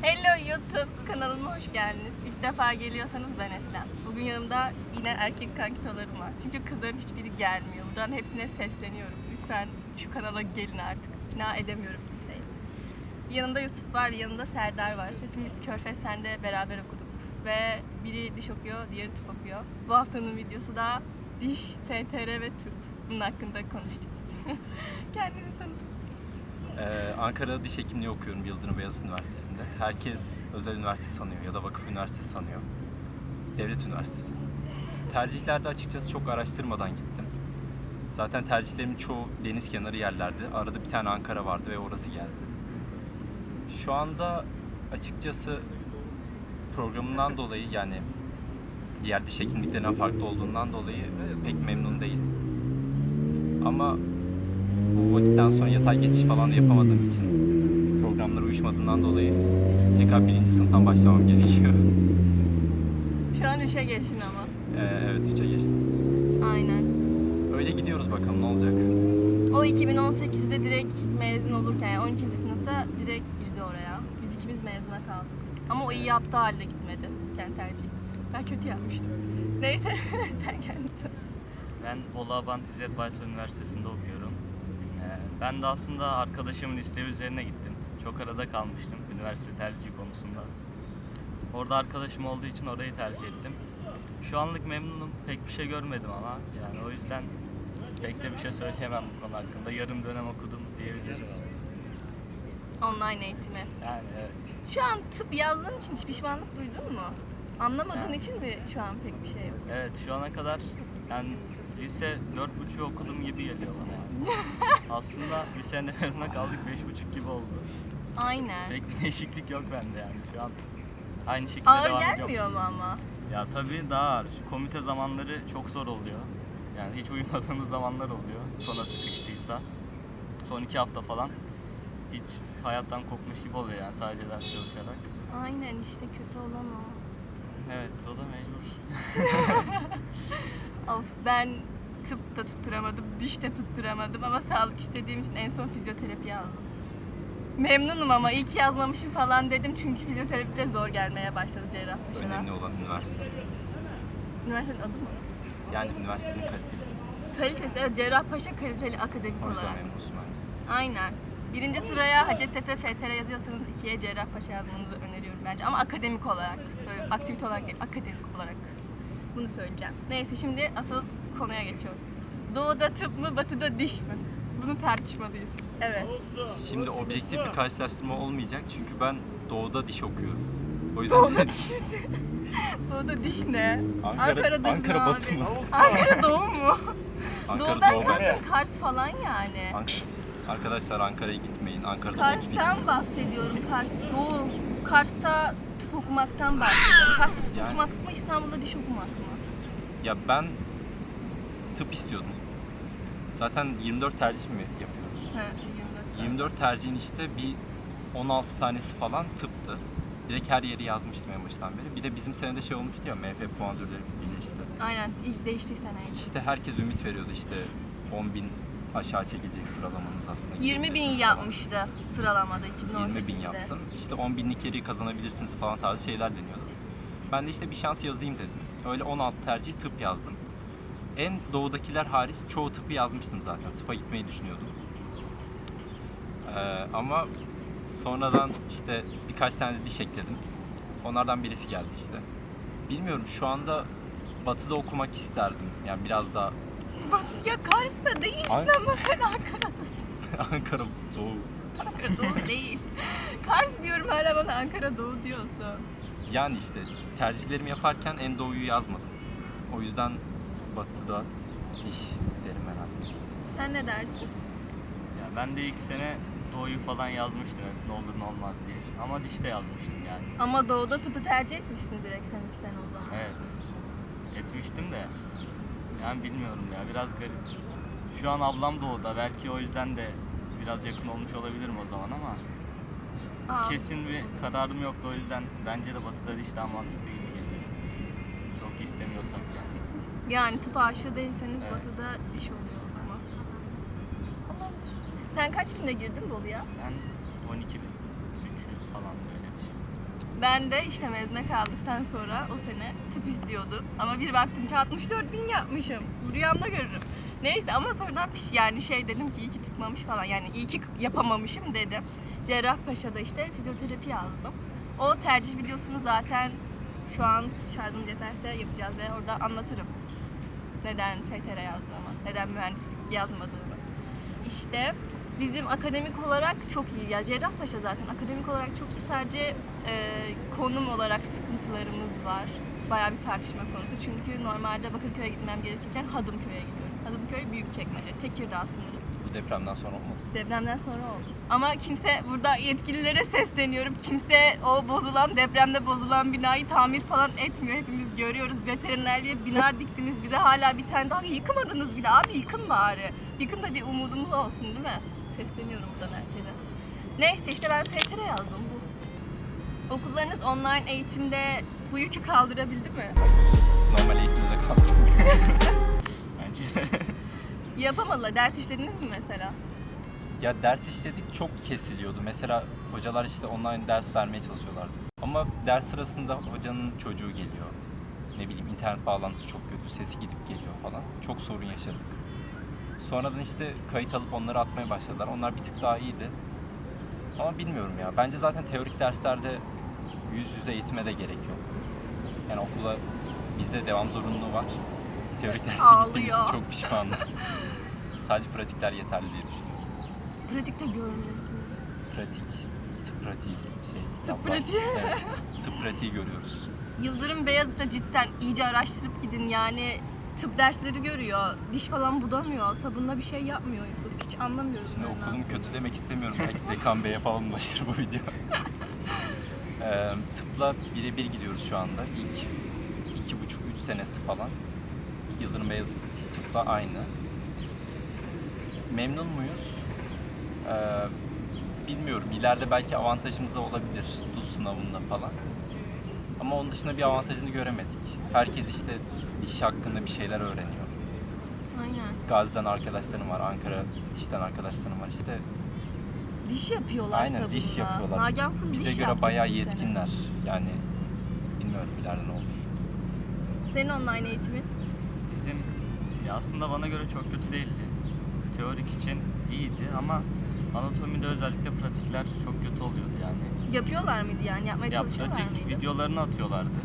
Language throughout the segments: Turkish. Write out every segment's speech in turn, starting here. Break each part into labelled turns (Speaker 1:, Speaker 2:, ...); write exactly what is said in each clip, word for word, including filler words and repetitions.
Speaker 1: Hello YouTube kanalıma hoş geldiniz. İlk defa geliyorsanız ben Eslem. Bugün yanımda yine erkek kankitolarım var. Çünkü kızların hiçbiri gelmiyor. Buradan hepsine sesleniyorum. Lütfen şu kanala gelin artık. İkna edemiyorum kimseyi. Yanımda Yusuf var, yanında Serdar var. Hepimiz Körfez Fen'de beraber okuduk. Ve biri diş okuyor, diğeri tıp okuyor. Bu haftanın videosu da diş, F T R ve tıp. Bunun hakkında konuşacağız. Kendinizi tanıtın.
Speaker 2: Ee, Ankara'da diş hekimliği okuyorum Yıldırım Beyazıt Üniversitesi'nde. Herkes özel üniversite sanıyor ya da vakıf üniversitesi sanıyor. Devlet üniversitesi. Tercihlerde açıkçası çok araştırmadan gittim. Zaten tercihlerimin çoğu deniz kenarı yerlerdi. Arada bir tane Ankara vardı ve orası geldi. Şu anda açıkçası programından dolayı, yani diğer diş hekimliklerinden farklı olduğundan dolayı pek memnun değilim. Ama bu vakitten sonra yatay geçiş falan da yapamadığım için, programlara uyuşmadığından dolayı tekrar birinci sınıftan başlamam gerekiyor.
Speaker 1: Şu an üçe geçtin ama.
Speaker 2: Ee, evet, üçe geçtim.
Speaker 1: Aynen.
Speaker 2: Öyle gidiyoruz, bakalım ne olacak.
Speaker 1: O iki bin on sekizde direkt mezun olurken, yani on ikinci sınıfta direkt girdi oraya. Biz ikimiz mezuna kaldık. Ama o iyi yaptığı halde gitmedi kendi tercihi. Ben kötü yapmıştım. Neyse, sen kendin.
Speaker 3: Ben Bolu Abant İzzet Baysal Üniversitesi'nde okuyorum. Ee, ben de aslında arkadaşımın isteği üzerine gittim. Çok arada kalmıştım üniversite tercihi konusunda. Orada arkadaşım olduğu için orayı tercih ettim. Şu anlık memnunum. Pek bir şey görmedim ama yani o yüzden pek de bir şey söyleyemem bu konu hakkında. Yarım dönem okudum diyebiliriz.
Speaker 1: Online eğitimi.
Speaker 3: Yani evet.
Speaker 1: Şu an tıp yazdığın için hiç pişmanlık duydun mu? Anlamadığın
Speaker 3: Yani.
Speaker 1: için mi şu an pek bir şey yok?
Speaker 3: Evet, şu ana kadar yani lise dört buçuk okudum gibi geliyor bana yani. Aslında bir sene mezuna kaldık, beş buçuk gibi oldu.
Speaker 1: Aynen.
Speaker 3: Pek bir değişiklik yok bende yani şu an aynı şekilde
Speaker 1: Ağır
Speaker 3: devam ediyorum.
Speaker 1: gelmiyor mu ama?
Speaker 3: Ya tabii daha ağır. Şu komite zamanları çok zor oluyor. Yani hiç uyumadığımız zamanlar oluyor. Sona sıkıştıysa. Son iki hafta falan hiç hayattan kopmuş gibi oluyor yani sadece ders çalışarak.
Speaker 1: Aynen işte kötü olan o.
Speaker 3: Evet, o da mecbur.
Speaker 1: Of, ben tıp da tutturamadım, diş de tutturamadım ama sağlık istediğim için en son fizyoterapi yazdım. Memnunum ama iyi ki yazmamışım falan dedim çünkü fizyoterapi de zor gelmeye başladı Cerrahpaşa'da.
Speaker 2: Önemli olan üniversite.
Speaker 1: Üniversitenin adı mı?
Speaker 2: Yani üniversitenin kalitesi.
Speaker 1: Kalitesi, evet, Cerrahpaşa kaliteli akademik
Speaker 2: O yüzden
Speaker 1: olarak.
Speaker 2: memnunsun bence.
Speaker 1: Aynen. Birinci sıraya Hacettepe F T R yazıyorsanız ikiye Cerrahpaşa yazmanızı öneriyorum bence. Ama akademik olarak, böyle aktivite olarak değil, akademik olarak. Bunu söyleyeceğim. Neyse, şimdi asıl konuya geçiyorum. Doğuda tıp mı, batıda diş mi? Bunu tartışmalıyız. Evet.
Speaker 2: Şimdi objektif bir karşılaştırma olmayacak çünkü ben doğuda diş okuyorum. O yüzden
Speaker 1: Doğuda diş mi? Doğuda diş ne?
Speaker 2: Ankara,
Speaker 1: Ankara'da
Speaker 2: Ankara
Speaker 1: abi.
Speaker 2: batı mı?
Speaker 1: Ankara doğu mu?
Speaker 2: Ankara
Speaker 1: Doğudan
Speaker 2: doğu.
Speaker 1: kastım Kars falan yani.
Speaker 2: Ankara. Arkadaşlar Ankara'ya gitmeyin. Ankara'da doğu diş
Speaker 1: Kars'tan bahsediyorum. Kars, Doğu. Kars'ta tıp okumaktan bahsediyorum. Kars'ta tıp
Speaker 2: Yani-
Speaker 1: okumak mı, İstanbul'da diş okumak mı?
Speaker 2: Ya ben tıp istiyordum. Zaten yirmi dört tercih mi yapıyoruz?
Speaker 1: He, yirmi dört.
Speaker 2: yirmi dört tercihin işte bir on altı tanesi falan tıptı. Direkt her yeri yazmıştım en baştan beri. Bir de bizim senede şey olmuştu ya, M F puanlarları birleşti.
Speaker 1: Aynen, ilk değişti seneye.
Speaker 2: İşte herkes ümit veriyordu, işte on bin aşağı çekilecek sıralamanız aslında.
Speaker 1: yirmi bin
Speaker 2: gidebilirsiniz falan.
Speaker 1: yapmıştı sıralamada iki bin on sekizde.
Speaker 2: yirmi bin yaptım. İşte on binlik yeri kazanabilirsiniz falan tarzı şeyler deniyordu. Ben de işte bir şans yazayım dedim. Öyle on altı tercih tıp yazdım. En doğudakiler hariç çoğu tıpı yazmıştım zaten. Tıpa gitmeyi düşünüyordum. Ee, ama sonradan işte birkaç tane de diş ekledim. Onlardan birisi geldi işte. Bilmiyorum, şu anda batıda okumak isterdim. Yani biraz daha
Speaker 1: Batı ya, Kars'ta değilsin
Speaker 2: An-
Speaker 1: ama sen Ankara'dasın.
Speaker 2: Ankara doğu.
Speaker 1: Ankara Doğu değil. Kars diyorum, hala bana Ankara Doğu diyorsun.
Speaker 2: Yani işte tercihlerimi yaparken en doğuyu yazmadım. O yüzden batıda diş derim herhalde.
Speaker 1: Sen ne dersin?
Speaker 3: Ya ben de ilk sene doğuyu falan yazmıştım hep ne olur ne olmaz diye. Ama dişte yazmıştım yani.
Speaker 1: Ama Doğu'da tıpı tercih etmişsin direkt sen iki sene o zaman.
Speaker 3: Evet. Etmiştim de yani bilmiyorum ya, biraz garip. Şu an ablam doğuda, belki o yüzden de biraz yakın olmuş olabilirim o zaman ama
Speaker 1: Aa,
Speaker 3: kesin bir kararım yoktu, o yüzden bence de batıda diş daha mantıklı gibi geliyor. Çok istemiyorsak yani.
Speaker 1: Yani tıp aşığı değilseniz
Speaker 3: Evet.
Speaker 1: Batı'da diş oluyor o zaman. Olabilir. Sen kaç binde girdin Bolu'ya?
Speaker 3: Ben on iki bin üç yüz falan böyle bir şey.
Speaker 1: Ben de işte mezuna kaldıktan sonra o sene tıp istiyordum. Ama bir baktım ki altmış dört bin yapmışım. Rüyamda görürüm. Neyse ama sonradan piş- yani şey dedim ki iyi ki tutmamış falan. Yani iyi ki yapamamışım dedim. Cerrahpaşa'da işte fizyoterapi yazdım. O tercih videosunu zaten şu an şarjım yeterse yapacağız ve orada anlatırım. Neden F T R yazdığımı, neden mühendislik yazmadığımı. İşte bizim akademik olarak çok iyi. Ya Cerrahpaşa zaten akademik olarak çok iyi. Sadece e, konum olarak sıkıntılarımız var. Bayağı bir tartışma konusu. Çünkü normalde Bakırköy'e gitmem gerekirken Hadımköy'e gidiyorum. Hadımköy Büyükçekmece, Tekirdağ sınırı.
Speaker 2: Bu depremden sonra olmadı.
Speaker 1: Depremden sonra oldu. Ama kimse, burada yetkililere sesleniyorum. Kimse o bozulan, depremde bozulan binayı tamir falan etmiyor. Hepimiz görüyoruz. Veterinerliğe bina diktiniz. Bir de hala bir tane daha yıkmadınız bile. Abi yıkın bari. Yıkın da bir umudumuz olsun değil mi? Sesleniyorum buradan herkese. Neyse işte ben F T R yazdım bu. Okullarınız online eğitimde bu yükü kaldırabildi mi?
Speaker 2: Normal eğitimde kaldım.
Speaker 3: Bence de.
Speaker 1: Yapamadılar. Ders işlediniz mi mesela?
Speaker 2: Ya ders işledik, çok kesiliyordu. Mesela hocalar işte online ders vermeye çalışıyorlardı. Ama ders sırasında hocanın çocuğu geliyor. Ne bileyim internet bağlantısı çok kötü, sesi gidip geliyor falan. Çok sorun yaşadık. Sonradan işte kayıt alıp onları atmaya başladılar. Onlar bir tık daha iyiydi. Ama bilmiyorum ya. Bence zaten teorik derslerde yüz yüze eğitime de gerek yok. Yani okula bizde devam zorunluluğu var. Teorik derse gittiğim için
Speaker 1: Ağlıyor.
Speaker 2: çok pişmanım. Sadece pratikler yeterli diye düşünüyorum.
Speaker 1: Pratikte görmüyorsunuz.
Speaker 2: Pratik, tıp pratiği şey.
Speaker 1: Tıp
Speaker 2: tablar.
Speaker 1: pratiği.
Speaker 2: Evet, tıp pratiği görüyoruz.
Speaker 1: Yıldırım Beyazıt'a cidden iyice araştırıp gidin yani tıp dersleri görüyor, diş falan budamıyor, sabunla bir şey yapmıyor Yusuf. Hiç anlamıyorum.
Speaker 2: Şimdi
Speaker 1: ben ne
Speaker 2: okulum
Speaker 1: yaptığını.
Speaker 2: kötü demek istemiyorum. Belki Dekan Bey'e falan ulaşır bu video. Ee, tıpla birebir gidiyoruz şu anda. İlk iki buçuk, üç senesi falan. Yıldırım Beyazıt tıpla aynı. Memnun muyuz? Ee, bilmiyorum. İleride belki avantajımıza olabilir. D U S sınavında falan. Ama onun dışında bir avantajını göremedik. Herkes işte diş hakkında bir şeyler öğreniyor.
Speaker 1: Aynen.
Speaker 2: Gazi'den arkadaşlarım var, Ankara dişten arkadaşlarım var. İşte
Speaker 1: Diş yapıyorlar
Speaker 2: aynen
Speaker 1: sabunla.
Speaker 2: diş yapıyorlar.
Speaker 1: Nagihan full
Speaker 2: Bize
Speaker 1: diş
Speaker 2: göre
Speaker 1: yaptı
Speaker 2: bayağı
Speaker 1: bütün sene.
Speaker 2: yetkinler. Yani bilmiyorum ileride ne olur.
Speaker 1: Senin online eğitimin?
Speaker 3: Bizim ya aslında bana göre çok kötü değildi. Teorik için iyiydi ama anatomide özellikle pratikler çok kötü oluyordu yani.
Speaker 1: Yapıyorlar mıydı yani? Yapmaya
Speaker 3: Ya
Speaker 1: çalışıyorlar
Speaker 3: pratik
Speaker 1: mıydı?
Speaker 3: videolarını atıyorlardı.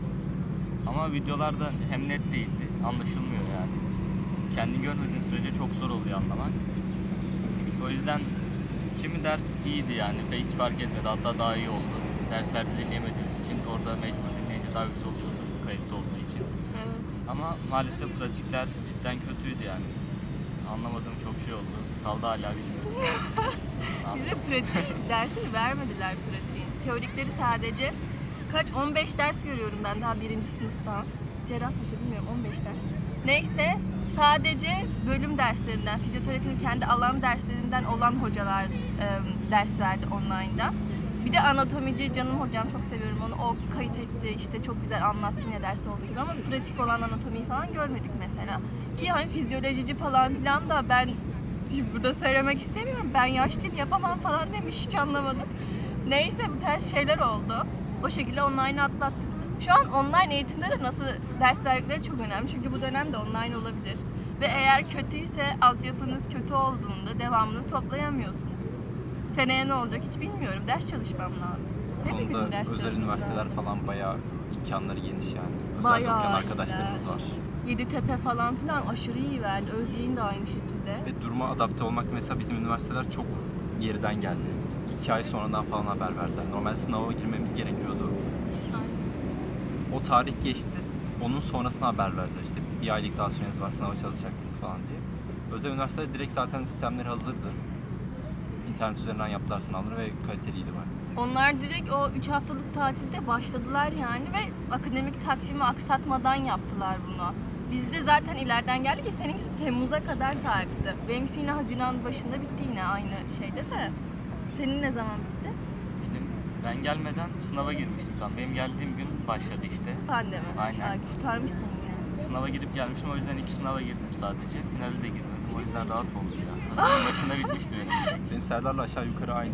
Speaker 3: Ama videolarda hem net değildi, anlaşılmıyor yani. Kendi görmediğin sürece çok zor oluyor anlamak. O yüzden kimi ders iyiydi yani ve hiç fark etmedi, hatta daha iyi oldu. Derslerde dinleyemediğimiz için orada mecbur dinleyince daha güzel oluyordu kayıtlı olduğu için.
Speaker 1: Evet.
Speaker 3: Ama maalesef pratikler cidden kötüydü yani. Anlamadığım çok şey oldu. Kaldı hala bilmiyorum.
Speaker 1: Bize pratik dersi vermediler pratiğin. Teorikleri sadece kaç on beş ders görüyorum ben daha birinci sınıftan. Cerrahpaşa bilmiyorum on beş ders. Neyse sadece bölüm derslerinden, fizyoterapinin kendi alan derslerinden olan hocalar e, ders verdi online'da. Bir de anatomici canım hocam çok seviyorum onu. O kayıt etti işte çok güzel anlattı yine derste olduğu gibi ama pratik olan anatomiyi falan görmedik mesela. Ki hani fizyolojici falan filan da ben hiç burada söylemek istemiyorum. Ben yaşlıyım yapamam falan demiş hiç anlamadım. Neyse bu ters şeyler oldu. O şekilde online atlattık. Şu an online eğitimde de nasıl ders verdikleri çok önemli. Çünkü bu dönem de online olabilir. Ve eğer kötüyse altyapınız kötü olduğunda devamını toplayamıyorsunuz. Seneye ne olacak hiç bilmiyorum. Ders çalışmam lazım.
Speaker 2: Bu
Speaker 1: Hepimizin
Speaker 2: konuda
Speaker 1: ders
Speaker 2: özel
Speaker 1: çalışması
Speaker 2: üniversiteler
Speaker 1: lazım.
Speaker 2: falan bayağı imkanları geniş yani. Özel
Speaker 1: Bayağı
Speaker 2: okuyan
Speaker 1: iyiler.
Speaker 2: arkadaşlarımız var.
Speaker 1: Yeditepe falan filan aşırı iyi verdi. Özyeğin de aynı şekilde.
Speaker 2: Ve duruma adapte olmak mesela bizim üniversiteler çok geriden geldi. İki ay sonradan falan haber verdiler. Normal sınava girmemiz gerekiyordu.
Speaker 1: Aynen.
Speaker 2: O tarih geçti. Onun sonrasına haber verdiler. İşte bir aylık daha süreniz var, sınava çalışacaksınız falan diye. Özel üniversitede direkt zaten sistemleri hazırdı. İnternet üzerinden yaptılar sınavları ve kaliteliydi bayağı.
Speaker 1: Onlar direkt o üç haftalık tatilde başladılar yani ve akademik takvimi aksatmadan yaptılar bunu. Biz de zaten ileriden geldik ki seninkisi Temmuz'a kadar sarktı. Benimkisi yine Haziran başında bitti yine aynı şeyde de. Senin ne zaman bitti?
Speaker 3: Benim, ben gelmeden sınava girmiştim tam. Benim geldiğim gün başladı işte.
Speaker 1: Pandemi.
Speaker 3: Aynen.
Speaker 1: Aa, kurtarmışsın yine.
Speaker 3: Sınava girip gelmişim, o yüzden iki sınava girdim sadece. Finale de girmedim, o yüzden rahat oldum ya. Haziran başında bitmişti benim.
Speaker 2: Benim Serdar'la aşağı yukarı aynıydı. Biz de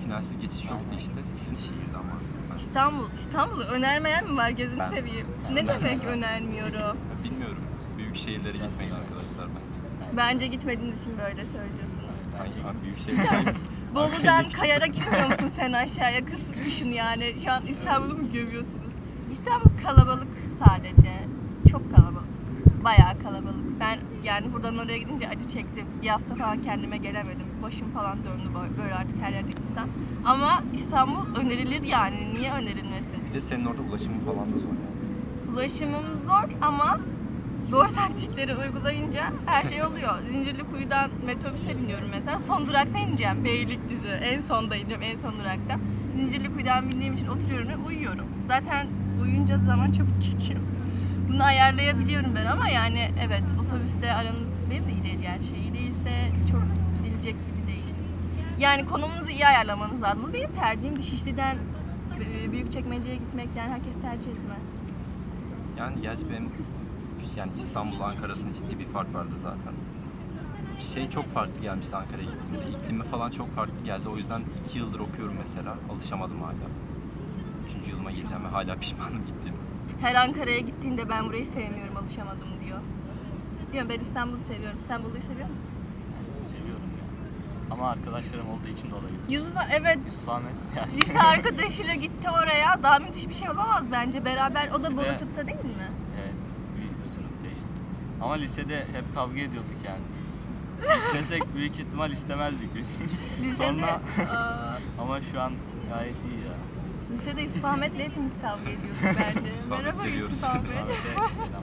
Speaker 2: finalsiz geçiş yoktu işte. Sizin şehirden bahsedin.
Speaker 1: İstanbul. İstanbul'u önermeyen mi var gözünü
Speaker 2: Ben-
Speaker 1: seveyim?
Speaker 2: ben
Speaker 1: Ne
Speaker 2: önermem.
Speaker 1: demek önermiyorum?
Speaker 2: Ya bilmiyorum. Büyük şehirlere gitmeyin arkadaşlar bence.
Speaker 1: Bence gitmediğiniz için böyle söylüyorsunuz.
Speaker 2: Hangi abi büyük şehirlere
Speaker 1: Bolu'dan Kayar'a gitmiyor musun sen aşağıya kız kışın yani? Şu an İstanbul'u mu gömüyorsunuz? İstanbul kalabalık sadece. Çok kalabalık. Bayağı kalabalık. Ben yani buradan oraya gidince acı çektim. Bir hafta falan kendime gelemedim. Başım falan döndü böyle- böyle artık her yerde insan. Ama İstanbul önerilir yani. Niye önerilmesin?
Speaker 2: Bir de senin orada ulaşımın falan da zor yani.
Speaker 1: Ulaşımım zor ama doğru taktikleri uygulayınca her şey oluyor. Zincirlikuyu'dan metrobüse biniyorum mesela. Son durakta ineceğim. Beylikdüzü. En sonda ineceğim. En son durakta. Zincirlikuyu'dan bindiğim için oturuyorum ve uyuyorum. Zaten uyuyunca zaman çabuk geçiyor. Bunu ayarlayabiliyorum ben ama yani evet otobüste aranız benim de iyi değil gerçi. İyi değilse çok gidilecek gibi değil. Yani konumunuzu iyi ayarlamanız lazım. Bu benim tercihim. Şişli'den e, Büyükçekmece'ye gitmek yani herkes tercih etmez.
Speaker 2: Yani gerçi benim yani İstanbul Ankara'sının ciddi bir fark vardı zaten. Şey çok farklı gelmişti Ankara'ya gittiğimde. İklimi falan çok farklı geldi. O yüzden iki yıldır okuyorum mesela. Alışamadım hala. Üçüncü yılıma gireceğim ve hala pişmanım gittiğim.
Speaker 1: Her Ankara'ya gittiğinde ben burayı sevmiyorum, alışamadım diyor. Diyorum ben İstanbul'u seviyorum. Sen Bolu'yu seviyor musun?
Speaker 3: Seviyorum ya. Ama arkadaşlarım olduğu için de olabilir.
Speaker 1: Yusuf, evet.
Speaker 3: Yusuf Ahmet. Yani
Speaker 1: Lise arkadaşıyla gitti oraya. Daha müthiş bir şey olamaz bence. Beraber, o da Bolu
Speaker 3: Evet.
Speaker 1: tıpta değil mi?
Speaker 3: evet, büyük bir sınıfta işte. Ama lisede hep kavga ediyorduk yani. İstesek büyük ihtimal istemezdik biz.
Speaker 1: Lisede,
Speaker 3: Sonra
Speaker 1: aa,
Speaker 3: ama şu an gayet iyi ya.
Speaker 1: lisede Yusuf Ahmet'le hepimiz kavga ediyorduk bence.
Speaker 2: Yusuf Ahmet
Speaker 1: Merhaba
Speaker 2: seviyoruz.
Speaker 1: Yusuf Ahmet.
Speaker 3: Ahmet'e selam.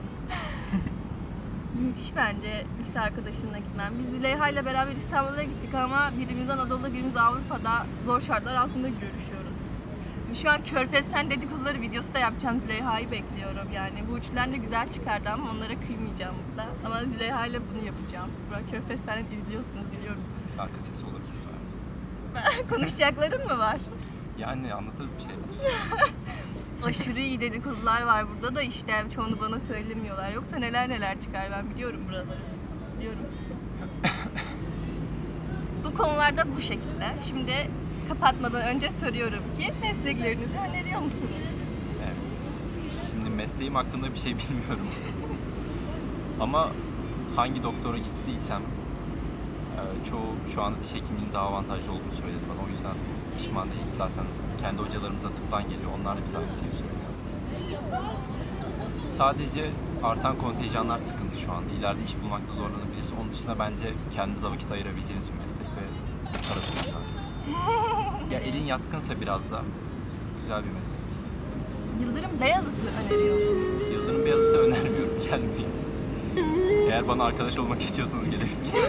Speaker 1: Müthiş bence lise arkadaşınla gitmem. Biz Züleyha ile beraber İstanbul'a gittik ama birimiz Anadolu'da birimiz Avrupa'da zor şartlar altında görüşüyoruz. Şu an Körfez'ten dedikoduları videosu da yapacağım. Züleyha'yı bekliyorum yani. Bu üçlüler de güzel çıkardı ama onlara kıymayacağım burada. Ama Züleyha ile bunu yapacağım. Burak Körfez'ten izliyorsunuz biliyorum.
Speaker 2: Biz arka sesi olabiliriz bence.
Speaker 1: Konuşacakların mı var?
Speaker 2: Yani anlatırız bir şeyler.
Speaker 1: Aşırı iyi dedikodular var burada da işte çoğunu bana söylemiyorlar. Yoksa neler neler çıkar ben biliyorum buraları. Biliyorum. Bu konularda bu şekilde. Şimdi kapatmadan önce soruyorum ki mesleklerinizi öneriyor musunuz?
Speaker 2: Evet. Şimdi mesleğim hakkında bir şey bilmiyorum. Ama hangi doktora gittiysem e, çoğu şu anda diş hekimliğinin daha avantajlı olduğunu söyledi bana. O yüzden pişman değilim. Zaten kendi hocalarımız da tıptan geliyor. Onlar da bize aynı şeyi söylüyor. Sadece artan kontenjanlar sıkıntı şu anda. İleride iş bulmakta zorlanabiliriz. Onun dışında bence kendimize vakit ayırabileceğiniz bir meslek ve parası güzel. Ya elin yatkınsa biraz da güzel bir meslek.
Speaker 1: Yıldırım Beyazıt'ı öneriyor musunuz?
Speaker 2: Yıldırım Beyazıt'ı önermiyorum. Gelmeyin. Eğer bana arkadaş olmak istiyorsanız gelebilirsiniz.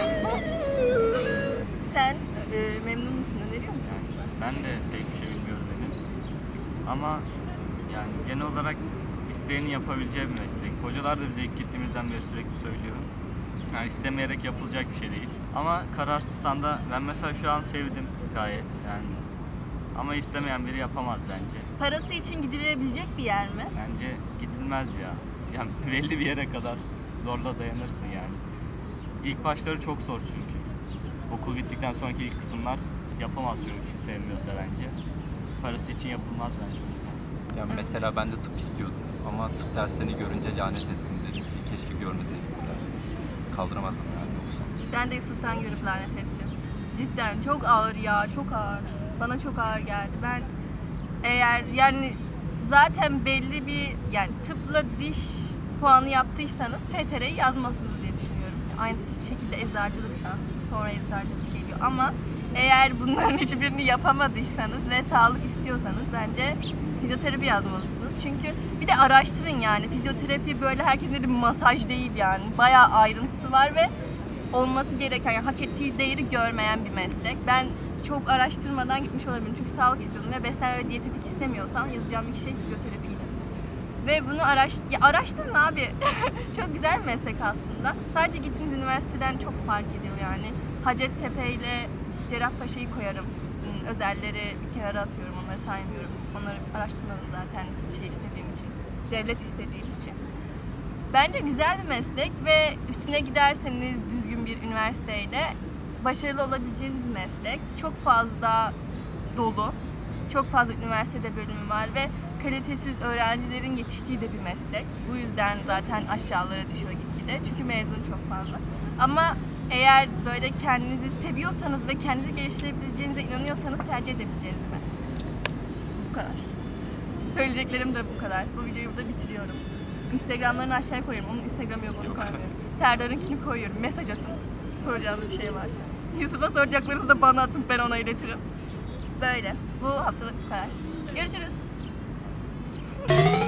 Speaker 1: Sen e, memnun musun? Öneriyor musun?
Speaker 3: Yani ben de pek bir şey bilmiyorum henüz. Ama yani genel olarak isteyenin yapabileceği bir meslek. Hocalar da bize ilk gittiğimizden beri sürekli söylüyor. Yani istemeyerek yapılacak bir şey değil. Ama kararsızsan da ben mesela şu an sevdim gayet yani. Ama istemeyen biri yapamaz bence.
Speaker 1: Parası için gidilebilecek bir yer mi?
Speaker 3: Bence gidilmez ya. Yani belli bir yere kadar zorla dayanırsın yani. İlk başları çok zor çünkü. Okul bittikten sonraki ilk kısımlar yapamaz çünkü kişi sevmiyorsa bence. Parası için yapılmaz bence o yüzden.
Speaker 2: Yani mesela ben de tıp istiyordum ama tıp derslerini görünce lanet ettim, dedim ki keşke görmeseydim bu dersleri. Kaldıramazdım yani yoksa.
Speaker 1: Ben de Yusuf'tan görüp lanet ettim. Cidden çok ağır ya, çok ağır. Bana çok ağır geldi. Ben eğer yani zaten belli bir yani tıpla diş puanı yaptıysanız F T R'yi yazmazsınız diye düşünüyorum. Aynı şekilde eczacılık da sonra eczacılık geliyor ama eğer bunların hiçbirini yapamadıysanız ve sağlık istiyorsanız bence fizyoterapi yazmalısınız. Çünkü bir de araştırın yani fizyoterapi böyle herkesin dediği masaj değil yani. Bayağı ayrıntısı var ve olması gereken, yani hak ettiği değeri görmeyen bir meslek. Ben çok araştırmadan gitmiş olabilirim çünkü sağlık istiyordum ve beslenme ve diyetetik istemiyorsam yazacağım ilk şey fizyoterapiydi. Ve bunu araş ya araştırın abi. Çok güzel bir meslek aslında. Sadece gittiğiniz üniversiteden çok fark ediyor yani. Hacettepe ile Cerrahpaşa'yı koyarım. Hmm, Özelleri bir kenara atıyorum, onları saymıyorum. Onları araştırmadım zaten şey istediğim için. Devlet istediğim için. Bence güzel bir meslek ve üstüne giderseniz düzgün bir üniversiteyle başarılı olabileceğiniz bir meslek. Çok fazla dolu. Çok fazla üniversitede bölümü var ve kalitesiz öğrencilerin yetiştiği de bir meslek. Bu yüzden zaten aşağılara düşüyor gitgide. Çünkü mezun çok fazla. Ama eğer böyle kendinizi seviyorsanız ve kendinizi geliştirebileceğinize inanıyorsanız tercih edebileceğiniz bir meslek. Bu kadar. Söyleyeceklerim de bu kadar. Bu videoyu burada bitiriyorum. Instagramlarını aşağıya koyuyorum. Onun Instagram'ı yok, onu
Speaker 2: Yok.
Speaker 1: koymuyorum. Serdar'ınkini koyuyorum. Mesaj atın. Soracağınız bir şey varsa. Yusuf'a soracaklarınızı da bana atın. Ben ona iletirim. Böyle. Bu haftalık bu kadar. Görüşürüz.